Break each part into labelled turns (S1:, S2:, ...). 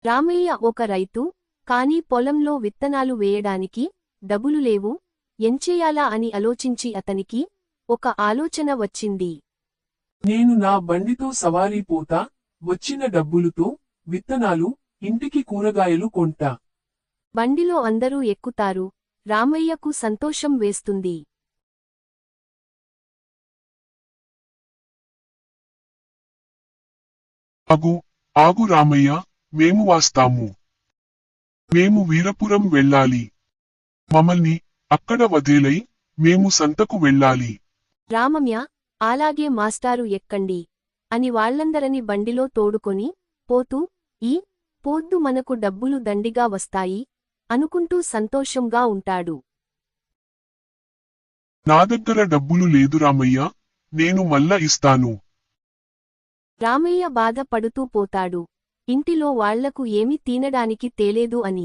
S1: రామయ్య ఒక రైతు, కాని పొలంలో విత్తనాలు వేయడానికి డబ్బులు లేవు, ఎంచేయాలా అని ఆలోచించి అతనికి ఒక ఆలోచన వచ్చింది.
S2: నేను నా బండితో సవారీ పోతా, వచ్చిన డబ్బులుతో విత్తనాలు, ఇంటికి కూరగాయలు కొంటా.
S1: బండిలో అందరూ ఎక్కుతారు. రామయ్యకు సంతోషం వేస్తుంది.
S3: ఆగు, ఆగు రామయ్య, మేము వస్తాము. మేము వీరపురం వెళ్ళాలి. మమ్మల్ని అక్కడ వదిలేయ్, మేము సంతకు వెళ్ళాలి.
S1: రామయ్య, అలాగే మాస్టారు ఎక్కండి అని వాళ్ళందరని బండిలో తోడుకొని పోతూ, ఈ పొద్దు మనకు డబ్బులు దండిగా వస్తాయి అనుకుంటూ సంతోషంగా ఉంటాడు.
S3: నా దగ్గర డబ్బులు లేదు రామయ్య, నేను మళ్ళా ఇస్తాను.
S1: రామయ్య బాధపడుతూ పోతాడు, ఇంటిలో వాళ్లకు ఏమి తినడానికి తేలేదు అని.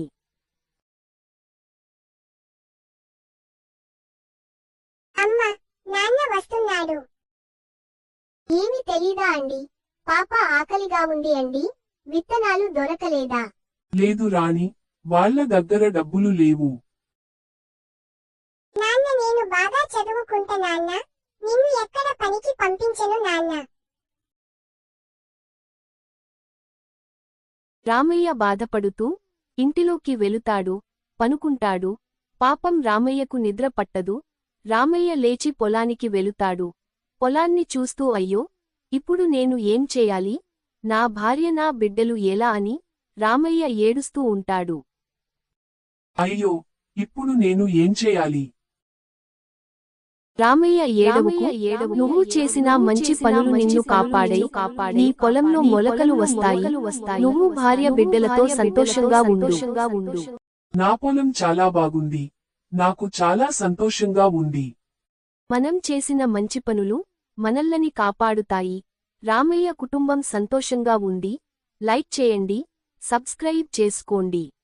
S4: అమ్మా, నాన్న వస్తున్నాడు. ఏమి తెలీదా అండి? పాప ఆకలిగా ఉంది అండి. విత్తనాలు దొరకలేదా?
S2: లేదు రాణి, వాళ్ళ దగ్గర డబ్బులు లేవు.
S4: నాన్న, నేను బాగా చదువుకుంటా నాన్న. నిన్ను ఎక్కడ పనికి పంపించను నాన్న.
S1: రామయ్య బాధపడుతూ ఇంటిలోకి వెళుతాడు, పనుకుంటాడు. పాపం రామయ్యకు నిద్ర పట్టదు. రామయ్య లేచి పొలానికి వెళుతాడు. పొలాన్ని చూస్తూ అయ్యో, ఇప్పుడు నేను ఏం చేయాలి? నా భార్య నా బిడ్డలు ఎలా అని రామయ్య ఏడుస్తూ ఉంటాడు.
S2: అయ్యో, ఇప్పుడు నేను ఏం చేయాలి?
S1: రామయ్య ఏడవకు, నువ్వు చేసిన మంచి పనులు నిన్ను కాపాడై, నీ పొలంలో మొలకలు వస్తాయి. నువ్వు భార్య బిడ్డలతో సంతోషంగా ఉండు.
S2: నా పొలం చాలా బాగుంది. నాకు చాలా సంతోషంగా ఉంది.
S1: మనం చేసిన మంచి పనులు మనల్ని కాపాడుతాయి. రామయ్య కుటుంబం సంతోషంగా ఉంది. లైక్ చేయండి, సబ్స్క్రైబ్ చేసుకోండి.